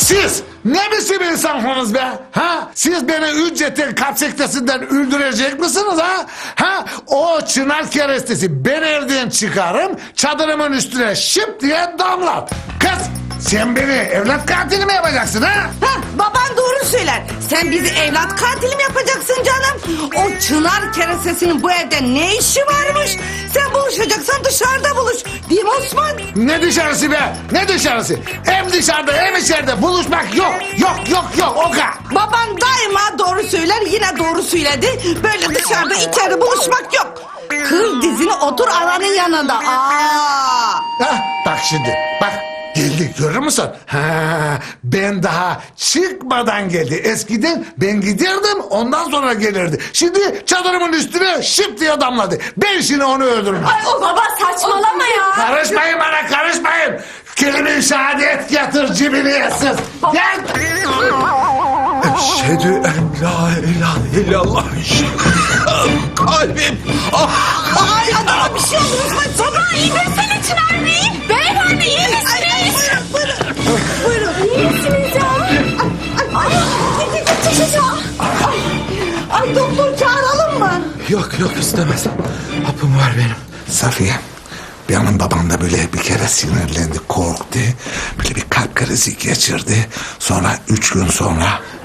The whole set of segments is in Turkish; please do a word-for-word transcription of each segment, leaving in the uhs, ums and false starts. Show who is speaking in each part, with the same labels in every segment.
Speaker 1: Siz ne biçim insansınız be? Ha? Siz beni ücretin kapsektesinden öldürecek misiniz ha? Ha? O çınar kerestesi ben evden çıkarım, çadırımın üstüne şıp diye damlat. Kız sen beni evlat katili mi yapacaksın ha?
Speaker 2: Ha, baban doğru söyler. Sen bizi evlat katili mi yapacaksın canım? O çınar kerestesinin bu evde ne işi varmış? Sen buluşacaksan dışarıda buluş. Değil mi Osman?
Speaker 1: Ne dışarısı be? Ne dışarısı? Hem dışarıda hem içeride buluşmak yok. Yok yok yok Oka.
Speaker 2: Baban daima doğru söyler, yine doğru söyledi. Böyle dışarıda içeride buluşmak yok. Kır dizini, otur ananın yanında. Aa!
Speaker 1: Ha, bak şimdi bak. Geldi görür müsün? Ha, ben daha çıkmadan geldi. Eskiden ben giderdim ondan sonra gelirdi. Şimdi çadırımın üstüne şıp diye damladı. Ben şimdi onu öldürürüm.
Speaker 3: Ay o baba saçmalama ya.
Speaker 1: Karışmayın bana karışmayın. Kelime-i şehadet getir cibini yetsiz. Gel.
Speaker 4: Eşhedü en la ilahe illallah. Kalbim. Ah.
Speaker 2: Ay adama bir şey oldu Osman.
Speaker 3: Baba iyi misiniz Çınar Bey? Beyefendi iyi misiniz?
Speaker 2: Buyurun, buyurun. Buyurun.
Speaker 3: İyi misiniz ya?
Speaker 2: Ay, ay, ay, ay, ay doktor çağıralım mı?
Speaker 4: Yok yok istemez. Hapım var benim.
Speaker 1: Safiye, benim babam da böyle bir kere sinirlendi, korktu. Böyle bir kalp krizi geçirdi. Sonra üç gün sonra...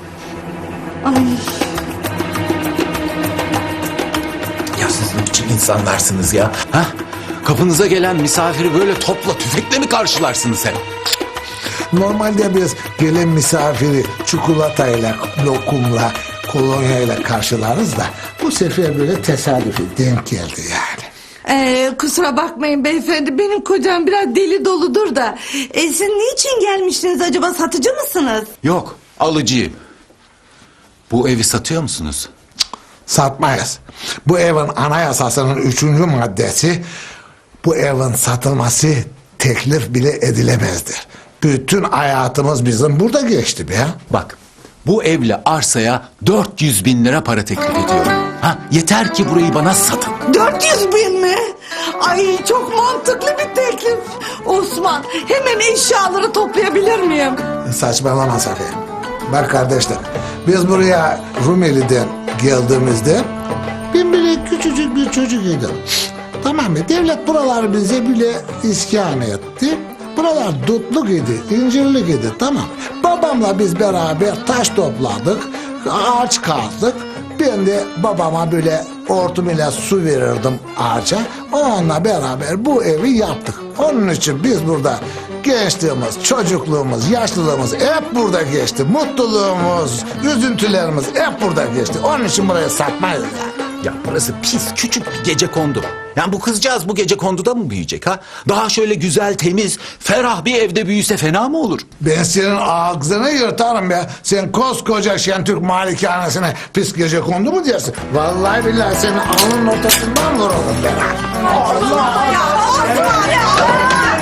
Speaker 4: Ya siz ne biçim insanlarsınız ya? Ha? Kapınıza gelen misafiri böyle topla tüfekle mi karşılarsınız hep?
Speaker 1: Normalde biz gelen misafiri çikolatayla, lokumla, kolonyayla karşılarız da... ...bu sefer böyle tesadüfi denk geldi yani.
Speaker 2: Ee, kusura bakmayın beyefendi, benim kocam biraz deli doludur da. Ee, siz niçin gelmiştiniz acaba, satıcı mısınız?
Speaker 4: Yok alıcıyım. Bu evi satıyor musunuz?
Speaker 1: Satmayız. Bu evin anayasasının üçüncü maddesi... ...bu evin satılması teklif bile edilemezdir. Bütün hayatımız bizim burada geçti be.
Speaker 4: Bak bu evle arsaya dört yüz bin lira para teklif ediyorum. Ha, yeter ki burayı bana satın.
Speaker 2: dört yüz bin mi? Ay çok mantıklı bir teklif. Osman, hemen eşyaları toplayabilir miyim?
Speaker 1: Saçmalama Safiye. Bak kardeşler, biz buraya Rumeli'den geldiğimizde... ...ben böyle küçücük bir çocuk idim. Tamam mı? Devlet buraları bize bile iskan etti. Buralar dutluk idi, incirlik idi, tamam. Babamla biz beraber taş topladık, ağaç kazdık. Ben de babama böyle hortum ile su verirdim ağaca. Onunla beraber bu evi yaptık. Onun için biz burada gençliğimiz, çocukluğumuz, yaşlılığımız hep burada geçti. Mutluluğumuz, üzüntülerimiz hep burada geçti. Onun için burayı satmayız yani.
Speaker 4: Ya burası pis küçük bir gecekondu. Yani bu kızcağız bu gecekonduda mı büyüyecek ha? Daha şöyle güzel, temiz, ferah bir evde büyüse fena mı olur?
Speaker 1: Ben senin ağzını yırtarım be. Sen koskoca Şentürk malikanesine pis gecekondu mu diyorsun? Vallahi billahi senin alnının ortasından vururum ben. Allah
Speaker 2: Ya Osman ya!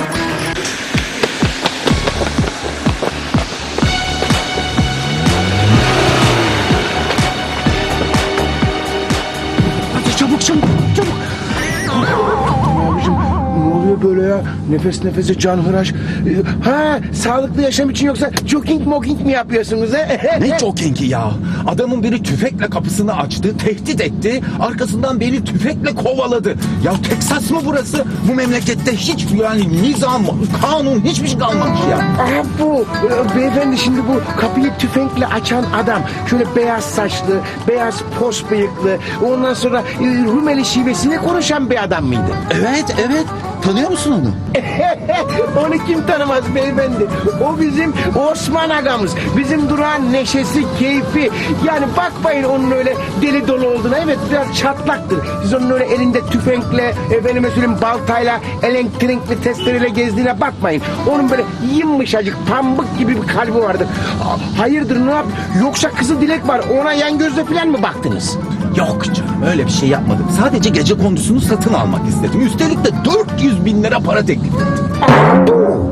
Speaker 5: Hadi çabuk çabuk çabuk. Abicim ne oluyor böyle ya? Nefes nefese canhıraş. Ee, Ha sağlıklı yaşam için yoksa jogging mogging mi yapıyorsunuz he?
Speaker 4: Ne jogging'i ya? Adamın biri tüfekle kapısını açtı, tehdit etti. Arkasından beni tüfekle kovaladı. Ya Teksas mı burası? Bu memlekette hiç yani nizam, kanun hiçbir şey kalmamış ya.
Speaker 5: Aha bu e, beyefendi şimdi bu kapıyı tüfekle açan adam şöyle beyaz saçlı, beyaz pos bıyıklı, ondan sonra e, Rumeli şivesiyle konuşan bir adam mıydı?
Speaker 4: Evet, evet. Tanıyor musun onu?
Speaker 5: Onu kim tanımaz beyefendi? O bizim Osman agamız. Bizim durağın neşesi, keyfi. Yani bakmayın onun öyle deli dolu olduğuna. Evet biraz çatlaktır. Siz onun öyle elinde tüfekle, efendime söyleyeyim baltayla, elektrikli testereyle gezdiğine bakmayın. Onun böyle yumuşacık, pambık gibi bir kalbi vardır. Hayırdır ne yap? Yoksa kızıl dilek var. Ona yan gözle falan mı baktınız?
Speaker 4: Yok canım öyle bir şey yapmadım. Sadece gece kondusunu satın almak istedim. Üstelik de dört yüz bin lira para teklif ettim.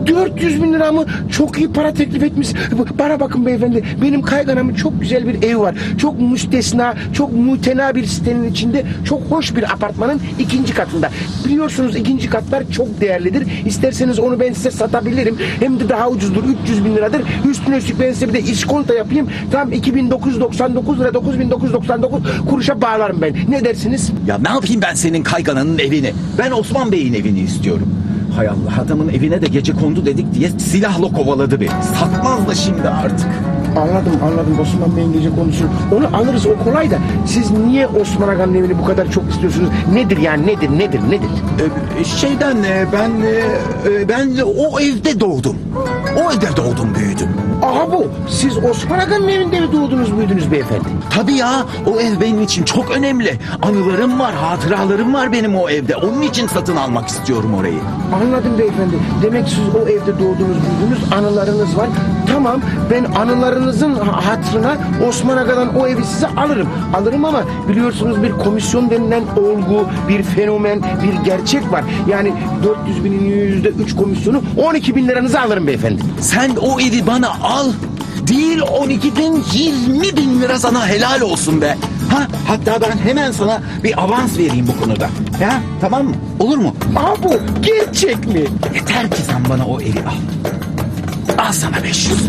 Speaker 5: dört yüz bin lira mı? Çok iyi para teklif etmiş. Bana bakın beyefendi, benim kayganamın çok güzel bir evi var. Çok müstesna, çok mutena bir sitenin içinde, çok hoş bir apartmanın ikinci katında. Biliyorsunuz ikinci katlar çok değerlidir. İsterseniz onu ben size satabilirim. Hem de daha ucuzdur, üç yüz bin liradır. Üstüne üstlük ben size bir de iskonto yapayım. Tam iki bin dokuz yüz doksan dokuz lira, dokuz bin dokuz yüz doksan dokuz kuruşa bağlarım ben. Ne dersiniz?
Speaker 4: Ya ne yapayım ben senin kaygananın evini? Ben Osman Bey'in evini istiyorum. Hay Allah, adamın evine de gece kondu dedik diye silahla kovaladı beni. Satmaz da şimdi artık.
Speaker 5: Anladım anladım Osman Bey'in gece konusunu. Onu alırız, o kolay da. Siz niye Osman Aga'nın evini bu kadar çok istiyorsunuz? Nedir yani, nedir nedir nedir?
Speaker 4: Ee, şeyden e, ben e, e, ben o evde doğdum. O evde doğdum, büyüdüm.
Speaker 5: Aha bu. Siz Osman Aga'nın evinde mi doğdunuz büyüdünüz beyefendi?
Speaker 4: Tabii ya, o ev benim için çok önemli. Anılarım var, hatıralarım var benim o evde. Onun için satın almak istiyorum orayı.
Speaker 5: Anladım beyefendi. Demek siz o evde doğdunuz büyüdünüz, anılarınız var. Tamam, ben anılarınızın hatırına Osman Aga'dan o evi size alırım. Alırım ama biliyorsunuz bir komisyon denilen olgu, bir fenomen, bir gerçek var. Yani dört yüz binin yüzde üç komisyonu on iki bin liranızı alırım beyefendi.
Speaker 4: Sen o evi bana al. Değil on ikiden yirmi bin lira sana helal olsun be. Ha, hatta ben hemen sana bir avans vereyim bu konuda. Ya tamam mı? Olur mu?
Speaker 5: Aha bu. Gerçek mi?
Speaker 4: Yeter ki sen bana o evi al. Al sana beş yüz.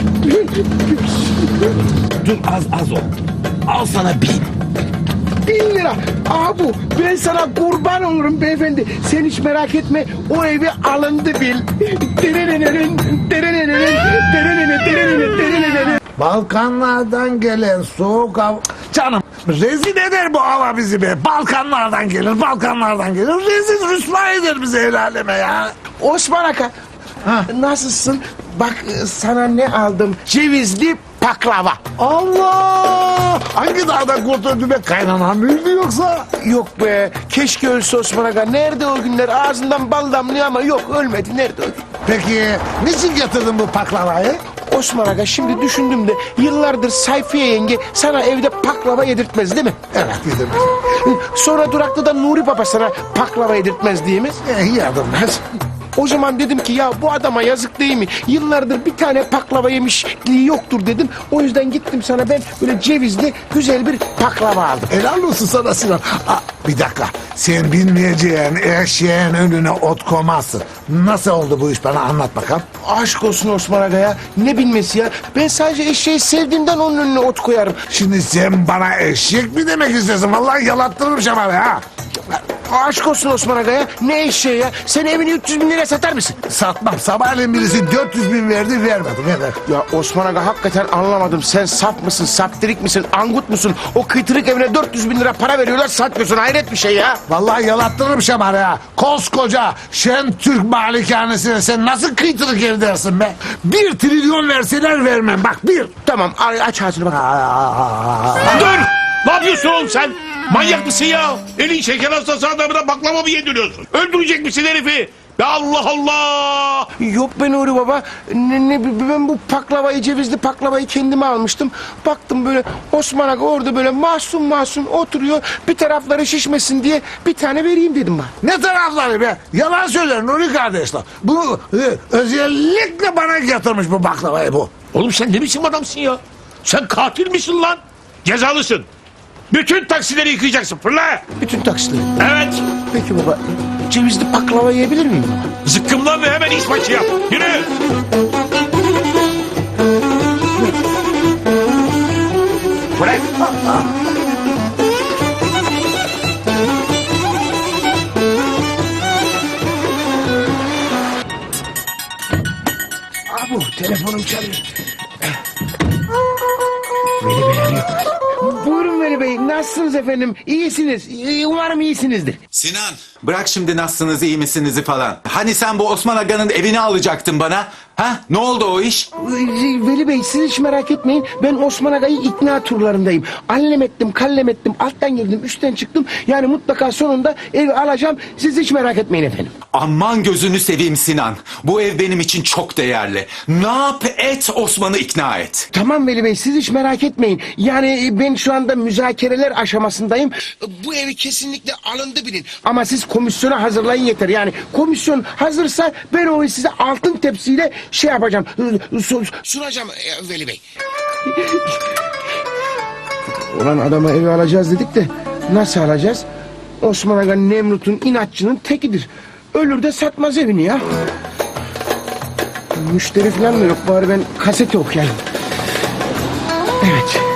Speaker 4: Dur, az az ol. Al sana bin.
Speaker 5: Bin lira. Aha bu. Ben sana kurban olurum beyefendi. Sen hiç merak etme. O evi alındı bil. Derenenenin, derenenenin, derenene, derenene, derenene.
Speaker 1: Balkanlardan gelen soğuk hava... Canım rezil eder bu hava bizi be. Balkanlardan gelir, Balkanlardan gelir. Rezil rüsva eder bizi el aleme ya.
Speaker 5: Osman Aka.
Speaker 1: Ha.
Speaker 5: Nasılsın? Bak sana ne aldım? Cevizli baklava.
Speaker 1: Allah! Hangi dağda kurt öldü be, kaynanan mıydı yoksa?
Speaker 5: Yok be. Keşke ölse Osman Aga. Nerede o günler? Ağzından bal damlıyor ama yok, ölmedi. Nerede o gün?
Speaker 1: Peki niçin getirdin bu baklavayı?
Speaker 5: Osman Aga, şimdi düşündüm de yıllardır Sayfiye yenge sana evde baklava yedirtmez değil mi?
Speaker 1: Evet yedim.
Speaker 5: Sonra durakta Nuri Baba sana baklava yedirtmez değil mi?
Speaker 1: Eh, yadırmaz.
Speaker 5: O zaman dedim ki ya bu adama yazık değil mi? Yıllardır bir tane baklava yemişliği yoktur dedim. O yüzden gittim sana ben böyle cevizli güzel bir baklava aldım.
Speaker 1: Helal olsun sana Sinan. Aa, bir dakika. Sen bilmeyeceğin eşeğin önüne ot koymazsın. Nasıl oldu bu iş, bana anlat bakalım.
Speaker 5: Aşk olsun Osman Aga ya. Ne bilmesi ya? Ben sadece eşeği sevdiğimden onun önüne ot koyarım.
Speaker 1: Şimdi sen bana eşek mi demek istiyorsun? Vallahi yalattırırım şamarı ha.
Speaker 5: Aşk olsun Osman Aga ya. Ne eşeği ya? Sen evini üç yüz bin liraya satar mısın?
Speaker 1: Satmam. Sabahleyin birisi dört yüz bin verdi, vermedim. Ver, ver.
Speaker 5: Ya Osman Aga, hakikaten anlamadım. Sen saf mısın, saptirik misin, angut musun? O kıytırık evine dört yüz bin lira para veriyorlar, satmıyorsun. Hayret bir şey ya.
Speaker 1: Vallahi yalattırırım şamarı ha. Koskoca Şen Türk malikanesine sen nasıl kıytırık ev dersin be? Bir trilyon verseler vermem. Bak bir.
Speaker 5: Tamam, aç ağzını bak.
Speaker 1: Aa,
Speaker 6: Dur! Ne yapıyorsun oğlum sen? Manyak mısın ya? Elin şeker hastası adamına baklava mı yediriyorsun? Öldürecek misin herifi? Ya Allah Allah!
Speaker 5: Yok be Nuri Baba. Ne, ne, ben bu baklavayı, cevizli baklavayı kendime almıştım. Baktım böyle Osman Aga orada böyle masum masum oturuyor. Bir tarafları şişmesin diye bir tane vereyim dedim ben.
Speaker 1: ne tarafları be? Yalan söyler Nuri kardeşler. Bu e, özellikle bana getirmiş bu baklavayı bu.
Speaker 6: Oğlum sen ne biçim adamsın ya? Sen katil misin lan? Cezalısın. Bütün taksileri yıkayacaksın. Fırla!
Speaker 5: Bütün taksitleri.
Speaker 6: Evet.
Speaker 5: Peki baba, cevizli baklava yiyebilir miyim baba?
Speaker 6: Zıkkımlan ve hemen iş başı yap. Yürü! Bırak!
Speaker 5: Abu, telefonum çalıyor. Veli Bey arıyor. Buyurun Veli Bey, nasılsınız efendim? İyisiniz, İyi- umarım iyisinizdir.
Speaker 4: Sinan, bırak şimdi nasılsınız, iyi misiniz falan. Hani sen bu Osman Aga'nın evini alacaktın bana? Ha? Ne oldu o iş?
Speaker 5: Veli Bey, siz hiç merak etmeyin. Ben Osman Aga'yı ikna turlarındayım. Allem ettim, kallem ettim, alttan girdim, üstten çıktım. Yani mutlaka sonunda evi alacağım. Siz hiç merak etmeyin efendim.
Speaker 4: Aman gözünü seveyim Sinan. Bu ev benim için çok değerli. Ne yap et, Osman'ı ikna et.
Speaker 5: Tamam Veli Bey, siz hiç merak etmeyin. Yani ben şu anda müzakereler aşamasındayım. Bu evi kesinlikle alındı bilin. Ama siz komisyona hazırlayın yeter. Yani komisyon hazırsa ben onu size altın tepsiyle şey yapacağım. Su, sunacağım e, Veli Bey. Ulan adama evi alacağız dedik de nasıl alacağız? Osman Aga Nemrut'un inatçının tekidir. Ölür de satmaz evini ya. Müşteri falan da yok. Bari ben kasete okuyayım. Evet.